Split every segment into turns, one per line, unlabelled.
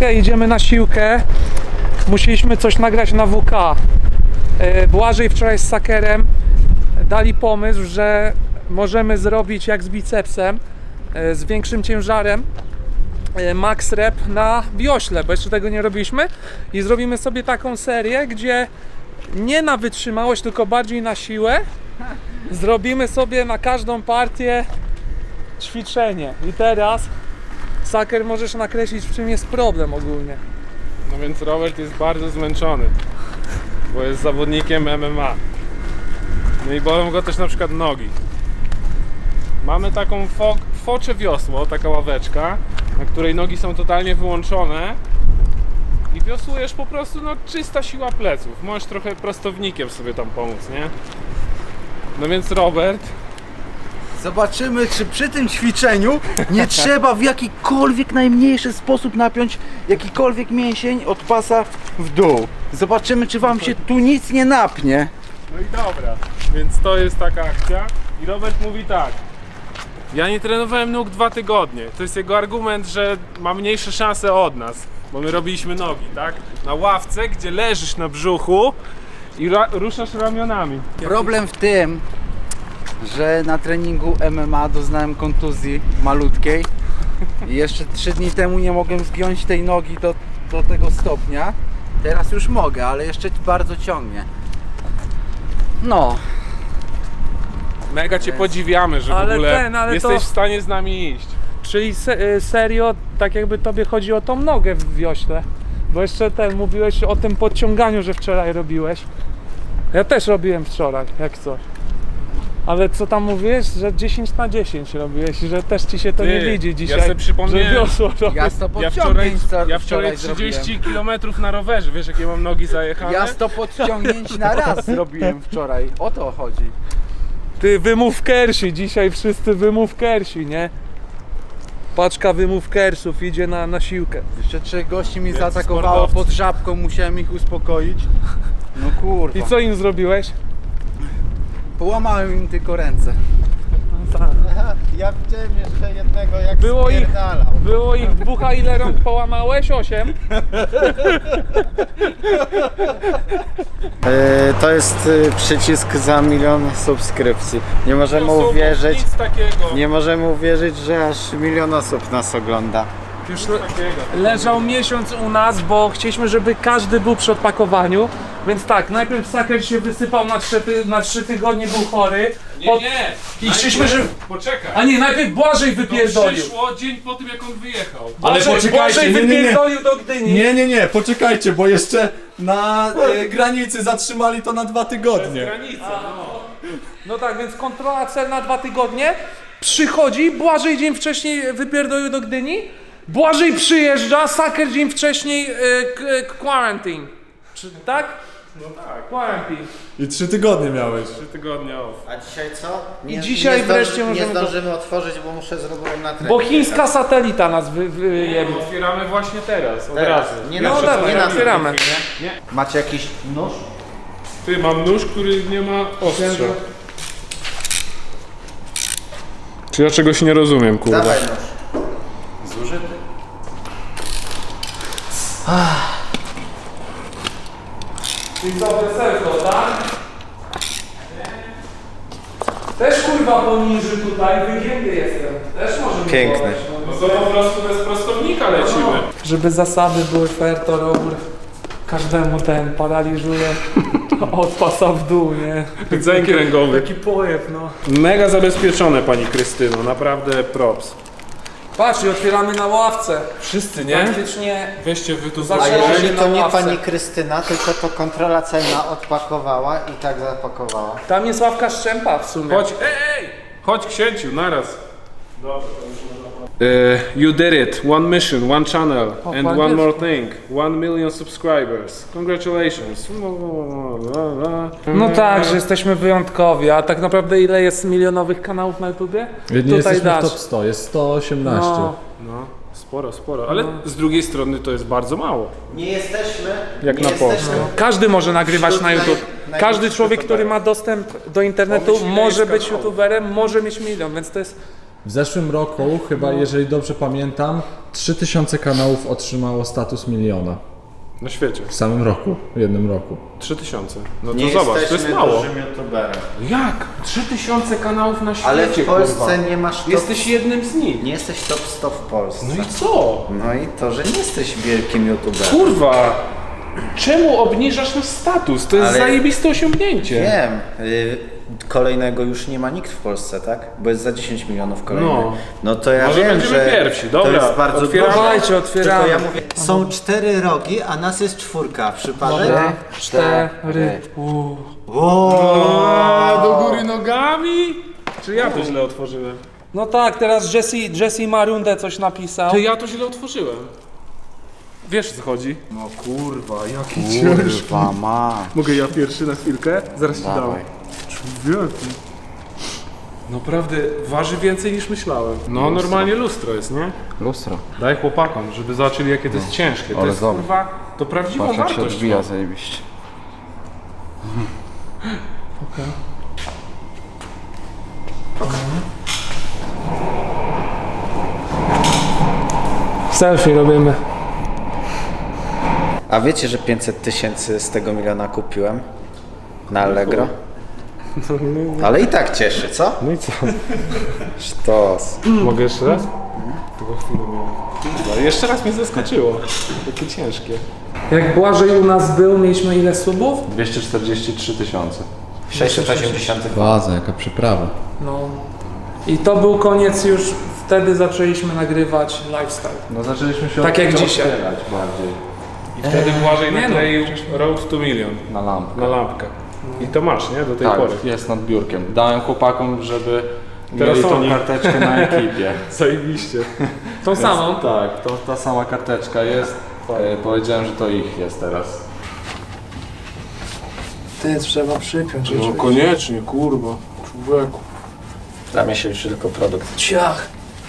chwilę, idziemy na siłkę. Musieliśmy coś nagrać na WK. Błażej wczoraj z Sakerem dali pomysł, że możemy zrobić jak z bicepsem, z większym ciężarem, max rep na wiośle, bo jeszcze tego nie robiliśmy, i zrobimy sobie taką serię, gdzie nie na wytrzymałość, tylko bardziej na siłę. Zrobimy sobie na każdą partię ćwiczenie. I teraz, Saker, możesz nakreślić, w czym jest problem ogólnie.
No więc Robert jest bardzo zmęczony, bo jest zawodnikiem MMA. No i bolą go też na przykład nogi. Mamy taką focze wiosło, taka ławeczka, na której nogi są totalnie wyłączone i wiosłujesz po prostu, no, czysta siła pleców. Możesz trochę prostownikiem sobie tam pomóc, nie? No więc Robert...
Zobaczymy, czy przy tym ćwiczeniu nie trzeba w jakikolwiek najmniejszy sposób napiąć jakikolwiek mięsień od pasa w dół. Zobaczymy, czy wam się tu nic nie napnie.
No i dobra, więc to jest taka akcja i Robert mówi tak: ja nie trenowałem nóg 2 tygodnie. To jest jego argument, że ma mniejsze szanse od nas, bo my robiliśmy nogi, tak? Na ławce, gdzie leżysz na brzuchu i ruszasz ramionami.
Problem w tym, że na treningu MMA doznałem kontuzji malutkiej i jeszcze 3 dni temu nie mogłem zgiąć tej nogi do tego stopnia. Teraz już mogę, ale jeszcze bardzo ciągnie. No.
Mega cię podziwiamy, że w
Ale
ogóle
ale
jesteś
to-
w stanie z nami iść.
Czyli serio, tak jakby tobie chodzi o tą nogę w wiośle. Bo jeszcze mówiłeś o tym podciąganiu, że wczoraj robiłeś. Ja też robiłem wczoraj, jak coś. Ale co tam mówiłeś, że 10/10 robiłeś, że też ci się to nie widzi dzisiaj,
ja sobie przypomniałem,
że wiosło robisz.
Ja 100
ja
podciągnięć
wczoraj 30 km na rowerze, wiesz jakie mam nogi zajechane?
Ja 100 podciągnięć na raz zrobiłem wczoraj. O to chodzi.
Ty, wymówkersi, dzisiaj wszyscy wymówkersi, nie? Paczka wymówkersów idzie na siłkę.
Jeszcze 3 gości mi
Wielcy
zaatakowało
sportowcy.
pod żabką, musiałem ich uspokoić. No kurwa.
I co im zrobiłeś?
Połamałem im tylko ręce.
Ja widziałem jeszcze jednego, jak
Było ich,
spierdalał.
było ich 2, a ile rąk połamałeś? 8?
To jest przycisk za 1 000 000 subskrypcji. Nie możemy
To są
uwierzyć,
nic takiego.
nie możemy uwierzyć, że aż 1 000 000 osób nas ogląda.
Już
Takiego.
leżał miesiąc u nas, bo chcieliśmy, żeby każdy był przy odpakowaniu. Więc tak, najpierw Saker się wysypał na 3 tygodnie, był chory.
Nie.
I chcieliśmy, że...
Poczekaj.
A nie, najpierw Błażej
To
wypierdolił.
przyszło dzień po tym, jak on wyjechał.
Ale poczekajcie,
Błażej
nie.
wypierdolił do Gdyni.
Nie, poczekajcie, bo jeszcze na granicy zatrzymali to na 2 tygodnie.
Granica.
No tak, więc kontrola celna 2 tygodnie. Przychodzi, Błażej dzień wcześniej wypierdolił do Gdyni. Błażej przyjeżdża, Saker dzień wcześniej quarantine. Tak?
No tak.
Quarantine.
I 3 tygodnie miałeś.
3 tygodnie off.
A dzisiaj co?
I dzisiaj wreszcie
nie
możemy to-
zdążymy otworzyć, bo muszę zrobić na trening.
Bo chińska satelita nas wyjebie.
Otwieramy właśnie teraz, od
Teraz.
razu.
Nie
No
na
dawaj,
nie na
otwieramy.
filmie. Macie jakiś nóż?
Ty, mam nóż, który nie ma ostrza. Czy ja czegoś nie rozumiem, kurde?
Dawaj nóż. Zużyty.
I co, weselko, tak? Też kurwa poniży tutaj, wygięty jestem. Też możemy
Piękny.
podać,
No to po prostu bez prostownika lecimy.
Żeby zasady były fair, to robór każdemu ten paraliżuje od pasa w dół, nie?
Rdzeń kręgowy.
Taki pojeb, no.
Mega zabezpieczone, pani Krystyno, naprawdę props.
Patrz, i otwieramy na ławce.
Wszyscy, nie?
Praktycznie
Weźcie wy tu
A
Zaczęło
zobaczcie.
jeżeli
się
to
na
nie
ławce.
pani Krystyna, tylko to kontrola celna odpakowała i tak zapakowała.
tam jest ławka Szczępa w sumie.
Chodź, ej! Chodź, księciu, naraz. You did it. One mission, one channel, and
po
one
angielsku.
more thing. 1 million subscribers. Congratulations.
No tak, że jesteśmy wyjątkowi, a tak naprawdę ile jest milionowych kanałów na YouTubie?
Nie jesteśmy w top 100, jest 118.
No.
No, sporo. Ale z drugiej strony to jest bardzo mało.
Nie jesteśmy.
Jak
nie
na
jesteśmy
Polskę.
Każdy może nagrywać
Wśród
na YouTube. Każdy
największych
człowiek, który
youtuberów.
ma dostęp do internetu,
Pomyśl, ile
może
jest
być
kanałów.
YouTuberem, może mieć milion, więc to jest
W zeszłym roku, chyba jeżeli dobrze pamiętam, 3000 kanałów otrzymało status miliona.
Na świecie.
W samym roku, w jednym roku.
3000. No to
Nie
zobacz, to
jesteśmy
jest mało.
dużym youtuberem.
Jak? 3000 kanałów na świecie,
Ale w Polsce
kurwa.
nie masz top...
Jesteś jednym z nich.
Nie jesteś top 100 w Polsce.
No i co?
No i to, że nie jesteś wielkim youtuberem.
Kurwa! Czemu obniżasz nasz status? To jest
Ale-
zajebiste osiągnięcie.
Wiem. Kolejnego już nie ma nikt w Polsce, tak? Bo jest za 10 milionów kolejny.
No.
No to ja
Może
wiem,
będziemy
że
pierwsi. Dobra,
to jest bardzo
otwieramy.
dużo.
Dawajcie, otwieramy.
Tylko ja mówię, są 4 rogi, a nas jest 4. Przypadek?
Dobra, 4.
A, do góry nogami? Czy ja to źle otworzyłem?
No tak, teraz Jesse ma rundę coś napisał.
To ja to źle otworzyłem. Wiesz o co chodzi?
No kurwa, jaki
Kurwa ma.
Mogę ja pierwszy na chwilkę? Zaraz ci dam.
Dawaj.
Człowieku. Naprawdę waży więcej niż myślałem. No normalnie lustro jest, nie?
Lustro.
Daj chłopakom, żeby zobaczyli jakie to jest ciężkie. To
ale
jest
zobacz.
kurwa, to prawdziwą
Patrz jak się
wartość.
odbija
ma.
zajebiście.
Selfie robimy.
A wiecie, że 500 000 z tego miliona kupiłem? Na Allegro? Ale i tak cieszy, co?
No i co?
Sztos.
Mogę jeszcze raz? Tylko chwilę miałem. Kurwa, jeszcze raz mnie zaskoczyło. Takie ciężkie.
Jak Błażej u nas był, mieliśmy ile subów?
243 000.
680.
Baza, jaka przyprawa.
No. I to był koniec już, wtedy zaczęliśmy nagrywać lifestyle.
No zaczęliśmy się
Tak jak dzisiaj.
otwierać bardziej
I wtedy Błażej
nie no.
nakleił Road to Million
na lampkę.
na lampkę. I to masz, nie? Do tej
Tak,
pory.
jest nad biurkiem. Dałem chłopakom, żeby
Teraz
mieli tą
oni.
karteczkę na ekipie.
Zajebiście.
Tą samą?
Tak, to ta sama karteczka jest. Powiedziałem, że to ich jest teraz.
Ty, trzeba przypiąć.
No koniecznie, kurwa. Człowieku.
Dla mnie się liczy tylko produkt.
Ciach.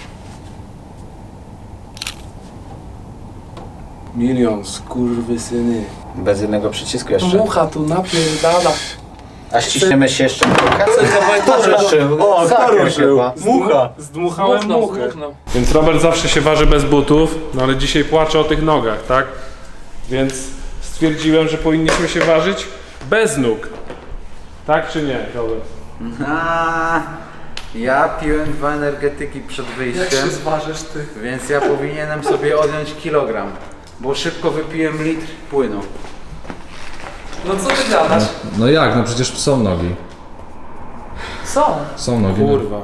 Milion, skurwysyny.
Bez jednego przycisku jeszcze.
Mucha tu napierdala.
A ściśniemy się jeszcze kilka? Kto ruszył? O, kto ruszył?
Mucha! Zdmuchałem muchę. Więc Robert zawsze się waży bez butów, no ale dzisiaj płacze o tych nogach, tak? Więc stwierdziłem, że powinniśmy się ważyć bez nóg. Tak czy nie, Robert?
A, ja piłem 2 energetyki przed wyjściem,
zważysz ty?
więc ja powinienem sobie odjąć kilogram, bo szybko wypiłem litr płynu.
No co ty gadasz?
No jak, no przecież są nogi.
Co?
Są nogi.
Kurwa.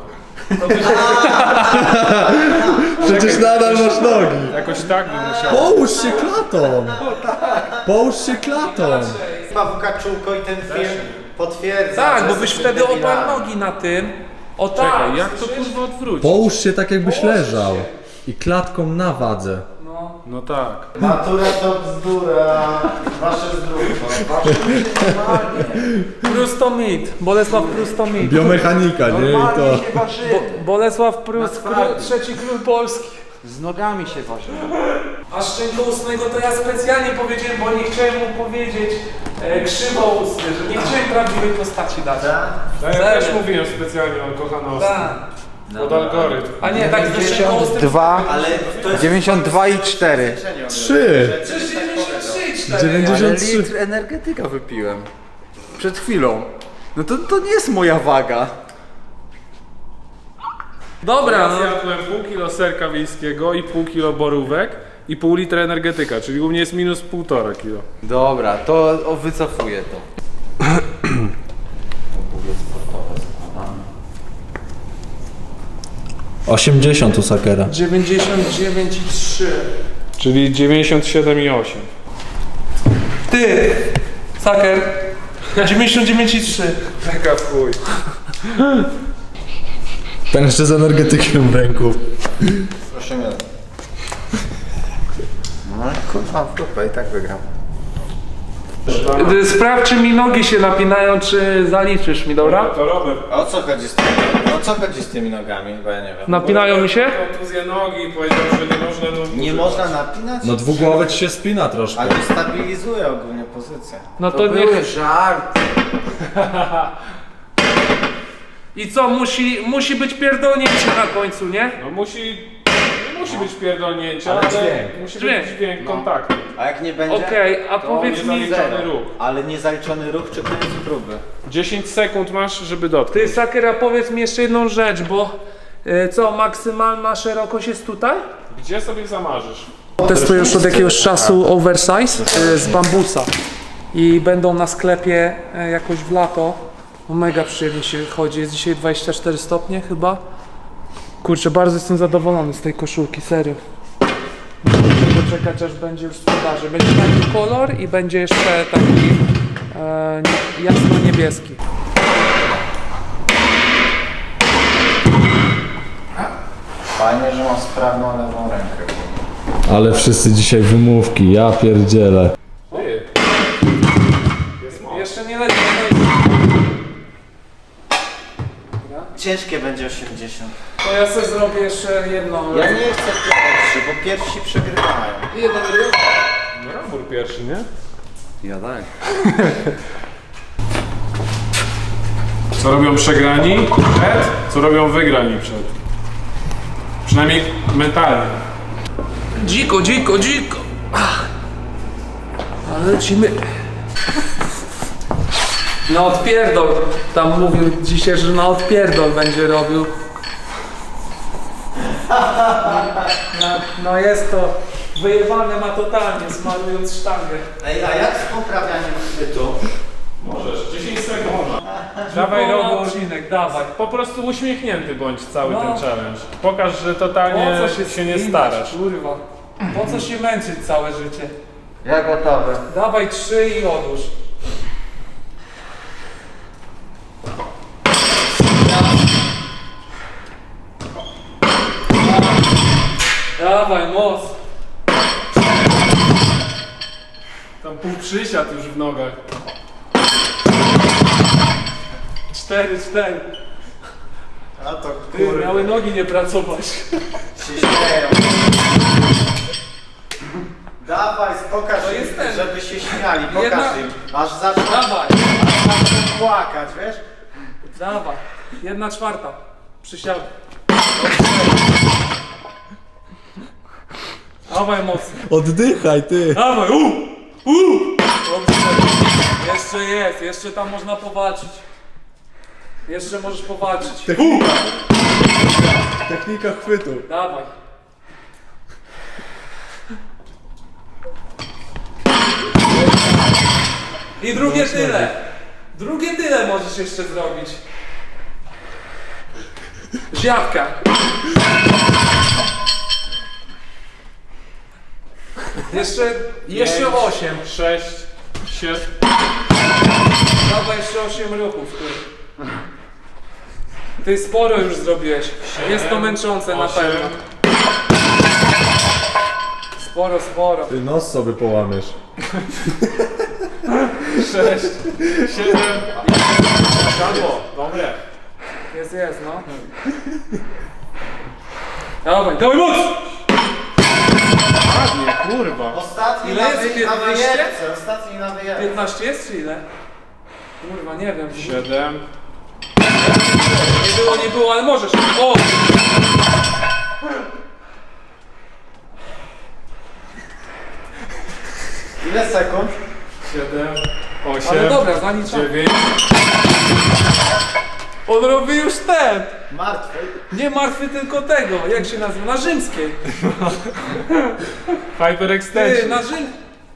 Przecież nadal masz nogi.
Jakoś tak bym musiał.
Połóż się klatą. Połóż się klatą.
Pawłka Czółko i ten film potwierdza.
Tak,
że
bo byś
jesteśmy
wtedy oparł
debilami.
nogi na tym. O tak.
Czekaj, jak to kurwa odwrócić?
Połóż się tak jakbyś leżał. I klatką na wadze.
No tak.
Matura to bzdura. Wasze zdrówko. Wasze normalnie.
Prustomit. Bolesław Prustomit.
Biomechanika, nie? I to...
Normalnie się ważyłem.
Bolesław Prus,
twardy.
trzeci król Polski.
Z nogami się ważyłem.
A szczękoustnego to ja specjalnie powiedziałem, bo nie chciałem mu powiedzieć krzywoustny, że nie chciałem prawdziwej postaci dać.
Ja też mówiłem specjalnie, on kocha nos.
Tak.
Pod algorytm.
A nie, tak ze szczękoustym.
2,
Ale to jest
92 i 4.
3.
Przecież 93, 4.
93.
Ale litr energetyka wypiłem. Przed chwilą. No to nie jest moja waga.
Dobra,
Ja
no.
zjadłem pół kilo serka wiejskiego i pół kilo borówek i pół litra energetyka, czyli u mnie jest minus 1,5 kilo.
Dobra, to wycofuję to.
u Sakera.
99,3.
Czyli 97,8.
Ty! Saker. 99,3.
Taka w chuj.
Ten jeszcze z energetykiem w ręku.
Proszę mnie. No kurwa w dupę i tak wygram.
Sprawdź, czy mi nogi się napinają, czy zaliczysz mi, dobra?
To Robert.
A o co chodzi z tymi, o co chodzi z tymi nogami? Bo ja nie wiem.
Napinają mi się?
Kontuzję nogi i powiedział, że nie można nóg
Nie
używać.
można napinać?
No dwugłowy ci się spina troszkę.
Ale stabilizuje ogólnie pozycję.
No
To
to
był
niech...
żart.
I co, musi być pierdolnięcie na końcu, nie?
No nie musi być pierdolnięcia,
Ale
ale
dźwięk.
musi
Dźwięk.
być dźwięk
No.
kontaktu.
A jak nie będzie?
Okej, a
to
powiedz mi,
Niezaliczony ruch.
Ale niezaliczony ruch czy koniec próby?
10 sekund masz, żeby dotknąć.
ty Sakera, powiedz mi jeszcze jedną rzecz, bo co, maksymalna szerokość jest tutaj?
Gdzie sobie zamarzysz?
Testuję już od jakiegoś czasu oversize z bambusa i będą na sklepie jakoś w lato. Mega przyjemnie się chodzi, jest dzisiaj 24 stopnie chyba. Kurczę, bardzo jestem zadowolony z tej koszulki, serio. Muszę czekać, aż będzie już w sprzedaży. Będzie taki kolor i będzie jeszcze taki jasno-niebieski.
Fajnie, że mam sprawną lewą rękę.
Ale wszyscy dzisiaj wymówki, ja pierdzielę.
Ty.
Jeszcze nie leci.
Ciężkie będzie 80.
To ja sobie zrobię jeszcze jedną.
Ja nie chcę pierwszy, bo pierwsi przegrywają.
Jeden ruch.
No Rambur pierwszy, nie?
Ja tak.
Co robią przegrani przed? Co robią wygrani przed? Przynajmniej mentalnie.
Dziko, dziko, dziko. Ale lecimy. Na odpierdol. Tam mówił dzisiaj, że na odpierdol będzie robił. No jest to wyjebane ma totalnie, smarując sztangę.
Ej, a jak z poprawianiem chwytu?
Możesz, 10 sekund. Dawaj
Rogo
Rogo.
odcinek, dawaj.
Po prostu uśmiechnięty bądź cały
No.
ten challenge. Pokaż, że totalnie
Po co
się nie
spinać,
starasz.
Kurwa. Po co się męczyć całe życie?
Ja gotowy.
Dawaj 3 i odłóż. Dawaj, moc.
Tam pół przysiad już w nogach.
4.
A to
Ty, miały nogi nie pracować.
się śmieją. Dawaj, pokaż
To
im,
jest ten.
żeby się śmiali, pokaż
Jedna-
im. Aż zaczną
Dawaj,
płakać, wiesz?
dawaj. 1/4. Przysiad. Dawaj mocno.
Oddychaj, ty!
Dawaj, Dobrze. Jeszcze jest, jeszcze tam można powalczyć. Jeszcze możesz powalczyć.
Technika chwytu.
Dawaj. I drugie tyle. Drugie tyle możesz jeszcze zrobić. Ziapka. Jeszcze 8.
6, 7.
Dawaj jeszcze 8 ruchów. Ty sporo już zrobiłeś. Jest to męczące na
8.
pewno. Sporo.
Ty nos sobie połamiesz.
6, 7. Siadło, dobre.
Jest, no. Dawaj moc!
Ładnie, kurwa.
Ostatni
Ile jest? 15?
na wyjebce, ostatni na wyjebce.
15 jest czy ile? Kurwa, nie wiem.
7.
Nie było, ale możesz. O!
Ile sekund?
7, 8,
Ale dobra, zaliczam.
9.
On robi już ten.
Martwy.
Nie martwy, tylko tego. Jak się nazywa? Na rzymskiej. Ty,
Hyperextension.
na Rzym...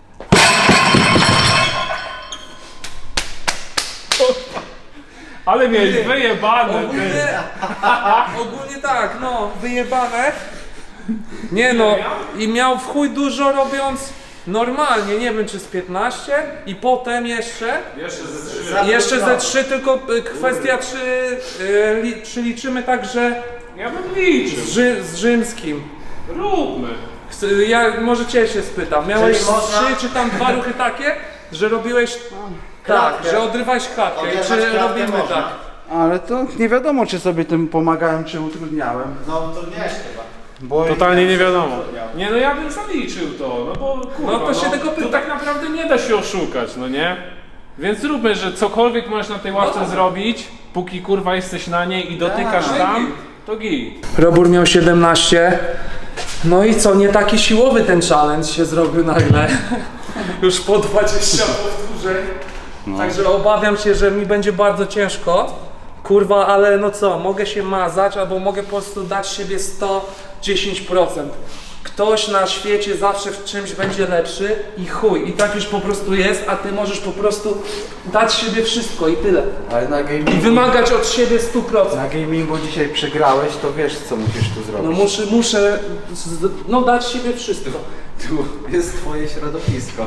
Ale miałeś wyjebane, ty.
Ogólnie tak, no, wyjebane. Nie no, i miał w chuj dużo robiąc normalnie, nie wiem czy z 15 i potem jeszcze
Jeszcze ze 3.
ze 3, tylko kwestia czy liczymy tak, że
Ja bym liczył.
z rzymskim.
Róbmy.
Ja może cię się spytam, miałeś
Czyli można-
3 czy tam 2 ruchy takie, że robiłeś tak,
Klatkę.
że odrywałeś klatkę,
Oderwać
czy
klatkę
robimy
można.
tak?
Ale to nie wiadomo, czy sobie tym pomagałem, czy utrudniałem.
No to nie chyba.
Bo
Totalnie nie wiadomo. Nie no ja bym zaliczył to, no bo kurwa,
No to się tego
to
pyta.
tak naprawdę nie da się oszukać, no nie? Więc zróbmy, że cokolwiek możesz na tej ławce zrobić, póki kurwa jesteś na niej i dotykasz tam, to git.
Robur miał 17. No i co, nie taki siłowy ten challenge się zrobił nagle. Już po 20 powtórzeń. Także obawiam się, że mi będzie bardzo ciężko. Kurwa, ale no co, mogę się mazać, albo mogę po prostu dać siebie 110%. Ktoś na świecie zawsze w czymś będzie lepszy i chuj, i tak już po prostu jest, a ty możesz po prostu dać siebie wszystko i tyle.
Ale na
I
gamingu,
wymagać od siebie 100%.
na gamingu dzisiaj przegrałeś, to wiesz co musisz tu
No
zrobić.
muszę no dać siebie wszystko.
Tu jest twoje środowisko.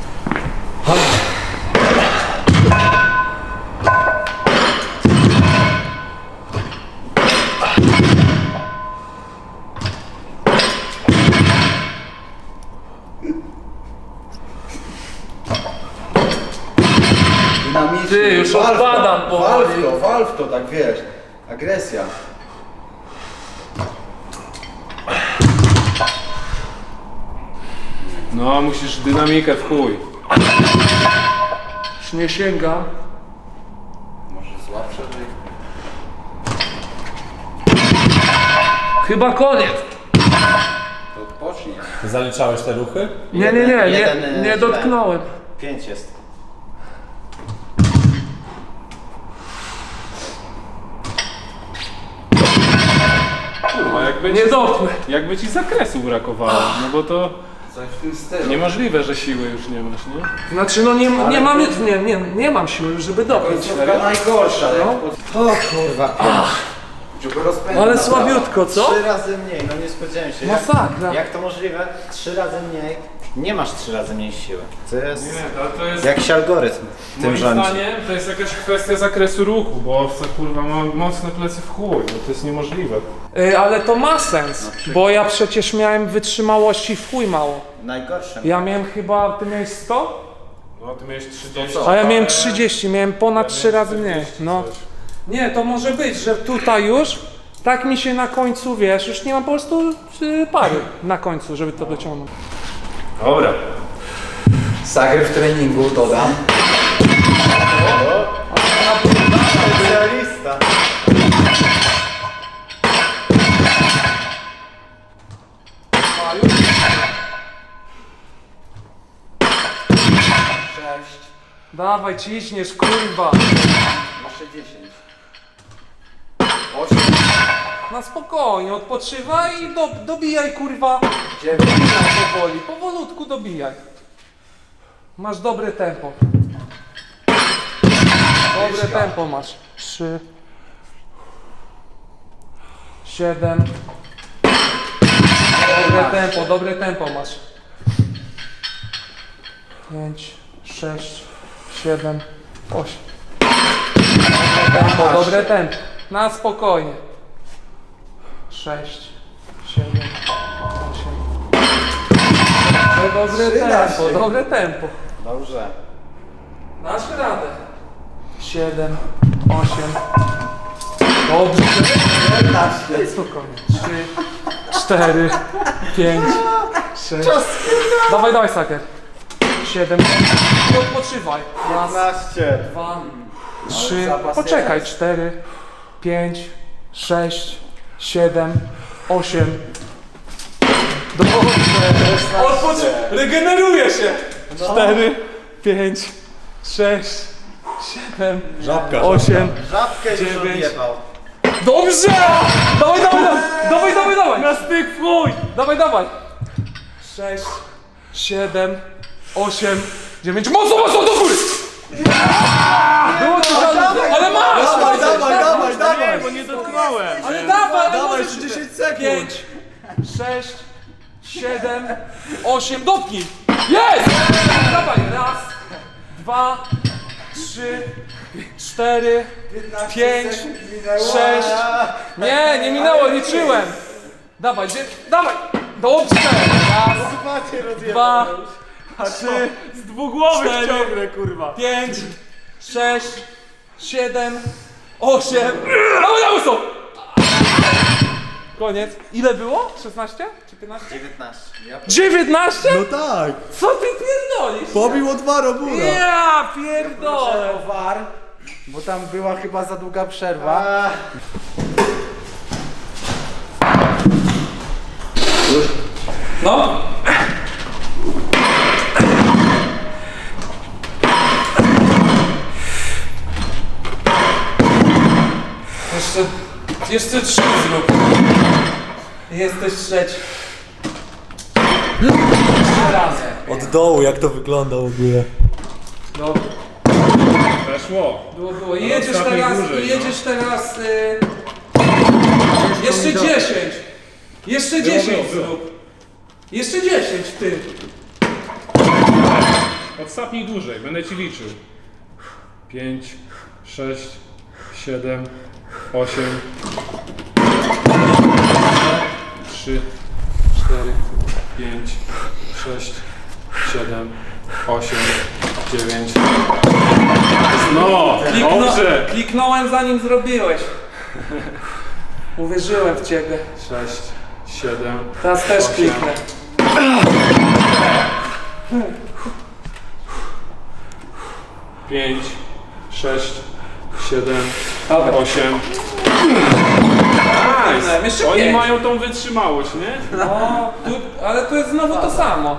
Dynamicznie.
Ty, już
Wal w to,
odpadam powoli.
wal w to, tak wiesz. Agresja.
No, musisz dynamikę w chuj.
Już nie sięga.
Może złap szerzej.
Chyba koniec.
To odpocznij.
Zaliczałeś te ruchy?
Nie
Jeden,
dotknąłem.
5 jest.
Kurwa,
Nie dotknę.
jakby ci zakresu brakowało, no bo to
Coś w tym stylu.
niemożliwe, że siły już nie masz, nie?
Znaczy no nie mam siły, żeby dotknąć.
Końcówka najgorsza.
No.
O kurwa.
Żeby rozpędzić.
Ale słabiutko, co?
3 razy mniej, no nie spodziewałem się.
Masakra.
Jak to możliwe? 3 razy mniej. Nie masz 3 razy mniej siły. To jest
Nie, to jest...
jakiś algorytm tym
Moim
rządzi.
zdaniem to jest jakaś kwestia zakresu ruchu, bo owca kurwa ma mocne plecy w chuj, no to jest niemożliwe.
Ale to ma sens, bo ja przecież miałem wytrzymałości w chuj mało.
Najgorsze.
Ja miałem chyba, ty miałeś 100?
No ty miałeś 30.
A ja miałem 30, miałem ponad 3 razy mniej. No. Nie, to może być, że tutaj już tak mi się na końcu, wiesz, już nie mam po prostu pary na końcu, żeby to dociągnąć.
Dobra.
Sager w treningu dodam.
Specjalista.
Sześć.
Dawaj, ciśniesz, kurwa.
Jeszcze 10. 8.
Na spokojnie, odpoczywaj i dobijaj, kurwa.
9.
Powoli, powolutku dobijaj. Masz dobre tempo. Dobre tempo masz. 3 7. Dobre tempo masz. 5 6 7 8. Dobre tempo. Na spokojnie. 6 7 8. Dobre tempo.
Dobrze.
Dasz radę. 7 8. Dobrze. 11. Spokojnie. 3 4 5 6. Dawaj, Saker. 7. Odpoczywaj. Raz,
15.
2 3. Poczekaj. 4 5 6 7 8. Dobrze. Regeneruje się. 4 5 6 7
Żabka.
8.
Żabkę już
9.
odjebał.
Dobrze! Dawaj! Na styk w chuj! Dawaj! 6, 7, 8, 9. Mocno do góry! Było ci ale masz!
Dawaj!
Bo nie dotknąłem.
Ale dawaj!
Dawaj, jeszcze 10 sekund!
5, 6, 7, 8. Dopnij! Jest! Dawaj! Raz, 2, 3, 4, 5, 6. Nie minęło, liczyłem. Dawaj, dawaj. Dobrze. Raz, 2, 3,
Z dwugłowych
4,
ciągle, kurwa!
5, 6, 7, 8. Dawaj na łyso. Koniec. Ile było? 16 czy 15?
19.
19?
No tak,
Co ty pierdolisz?
pobił od Robura.
Ja pierdolę.
O VAR, bo tam była chyba za długa przerwa.
No. Jeszcze 3 zrób. Jesteś trzeci. Jeszcze raz.
Od dołu, jak to wygląda w ogóle.
No,
Weszło.
było. I jedziesz
ostatniej
teraz,
dłużej,
i jedziesz teraz... Jeszcze 10. Jeszcze 10
było.
zrób. Jeszcze 10 ty.
Odsapnij dłużej, będę ci liczył. 5, 6, 7, 8, 3, 4, 5, 6, 7, 8, 9. No, dobrze!
Kliknąłem zanim zrobiłeś. Uwierzyłem w ciebie.
6, 7,
Teraz też
8.
kliknę.
Pięć, 6, 7,
Dobra.
8.
Kliknąłem. Jeszcze
Oni
5.
mają tą wytrzymałość, nie?
No, ale tu jest znowu to samo.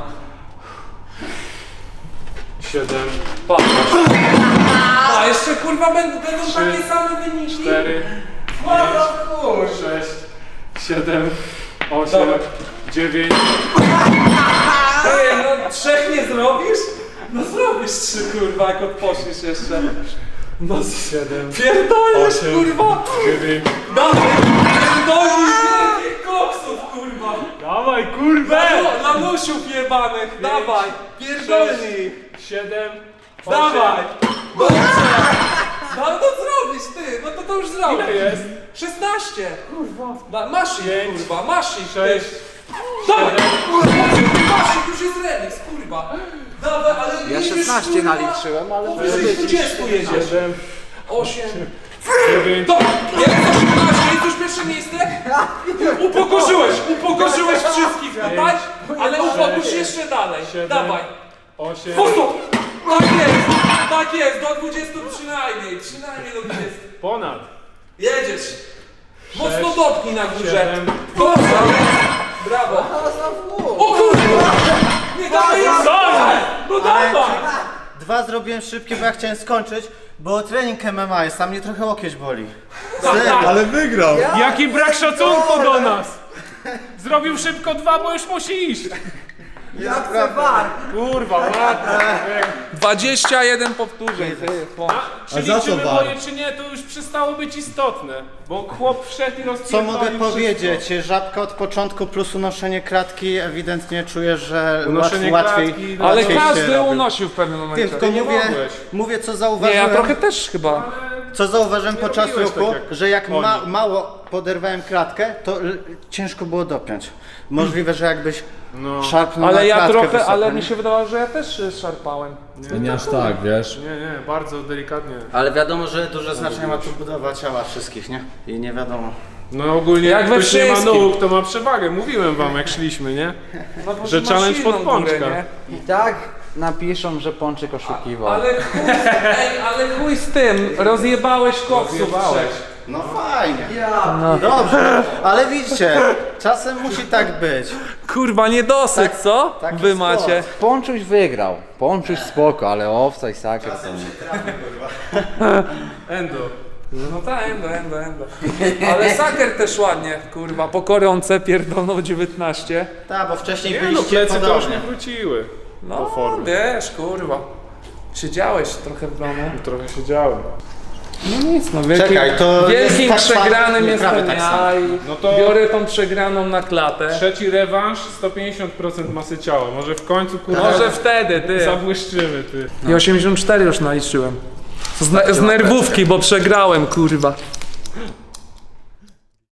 7,
Patrz. A jeszcze kurwa będą takie same wyniki.
4,
Ładno, kurwa.
6, 7, 8,
Dobra.
9.
Ej, no 3 nie zrobisz? No zrobisz 3 kurwa, jak odpoczniesz jeszcze. No
7,
pierdolisz
8,
kurwa!
9.
Dawaj! Pierdolisz wielkich koksów kurwa!
Dawaj, kurwę!
Lanusiów jebanych, dawaj! Pierdolnij!
7,
Dawaj! Dobrze! No to zrobisz ty, no to już zrobisz.
Ile jest?
16! Kurwa. Masz ich,
5,
kurwa, masz ich,
6,
ty. Dawaj! Kurwa, masz ich, już jest remis, kurwa. Dawaj, ale
Ja
jedziesz,
16
kurwa,
naliczyłem, ale
powyżej 20 jedziesz.
7,
8.
9.
To, jest 18, jest już pierwsze miejsce? Upokorzyłeś wszystkich tutaj, ale upokorz jeszcze dalej.
7,
Dawaj.
8.
Prosto! Tak jest, do 20 przynajmniej do 20.
Ponad.
Jedziesz. Mocno
6,
dopnij na górze.
7.
Dobrze, brawo. O kurwa! Nie dawaj jeszcze! No dawaj!
2 zrobiłem szybkie, bo ja chciałem skończyć, bo trening MMA jest, a mnie trochę łokieć boli.
Ale wygrał.
Jaki brak szacunku do nas! Zrobił szybko 2, bo już musi iść.
ja chcę VAR.
Kurwa, ładnie.
21 powtórzeń.
Czy
A za co
liczymy
war?
moje, czy nie, to już przestało być istotne. Bo chłop wszedł i
Co
rozpierdolił
mogę
wszystko.
powiedzieć? Żabka od początku plus unoszenie klatki, ewidentnie czuję, że
Unoszenie
łatwiej.
klatki,
Ale
łatwiej się
każdy
robi.
unosił w pewnym momencie.
Tylko
nie
mówię,
mogłeś.
mówię co
Nie,
zauważyłem.
ja trochę też chyba.
Co zauważyłem podczas
robiłeś
ruchu,
tak jak
że jak
oni.
mało poderwałem klatkę, to ciężko było dopiąć. Możliwe, że jakbyś
No.
szarpnął
Ale
na
ja
klatkę
trochę,
wysoko,
ale
nie?
mi się wydawało, że ja też szarpałem.
Nie aż tak, wiesz.
Nie, bardzo delikatnie.
Ale wiadomo, że duże znaczenie ma tu budowa ciała wszystkich, nie? I nie wiadomo.
No ogólnie
Jak
jak
we
ktoś nie ma
wszystkim.
nóg, to ma przewagę. Mówiłem wam jak szliśmy, nie?
No, bo
Że
masz
challenge
silną
pod pączka.
górę, nie?
I tak napiszą, że Pączek oszukiwał.
Ale chuj z tym, rozjebałeś koksów
Rozjebałeś.
6.
No fajnie. Dobrze, ale widzicie, czasem musi tak być.
Kurwa, niedosyt, co?
taki
Wy
sport.
macie.
Pączuś wygrał. Pączuś spoko, ale owca i saker to nie.
Endo.
No tak, endo. Ale Saker też ładnie, kurwa, po koronce pierdolnął 19.
Tak, bo wcześniej
Nie no,
byliście
plecy to już
podobnie.
nie wróciły.
No,
formy.
wiesz, kurwa. Siedziałeś trochę w domu.
Trochę siedziałem.
No nic, no wielkim,
Czekaj, to
wielkim
jest tak samo,
przegranym
nie,
jestem
prawie tak samo.
ja i
No to-
biorę tą przegraną na klatę.
Trzeci rewanż, 150% masy ciała. Może w końcu kurwa
Może wtedy, ty.
zabłyszczymy, ty.
I 84 już naliczyłem. Z nerwówki, bo przegrałem, kurwa.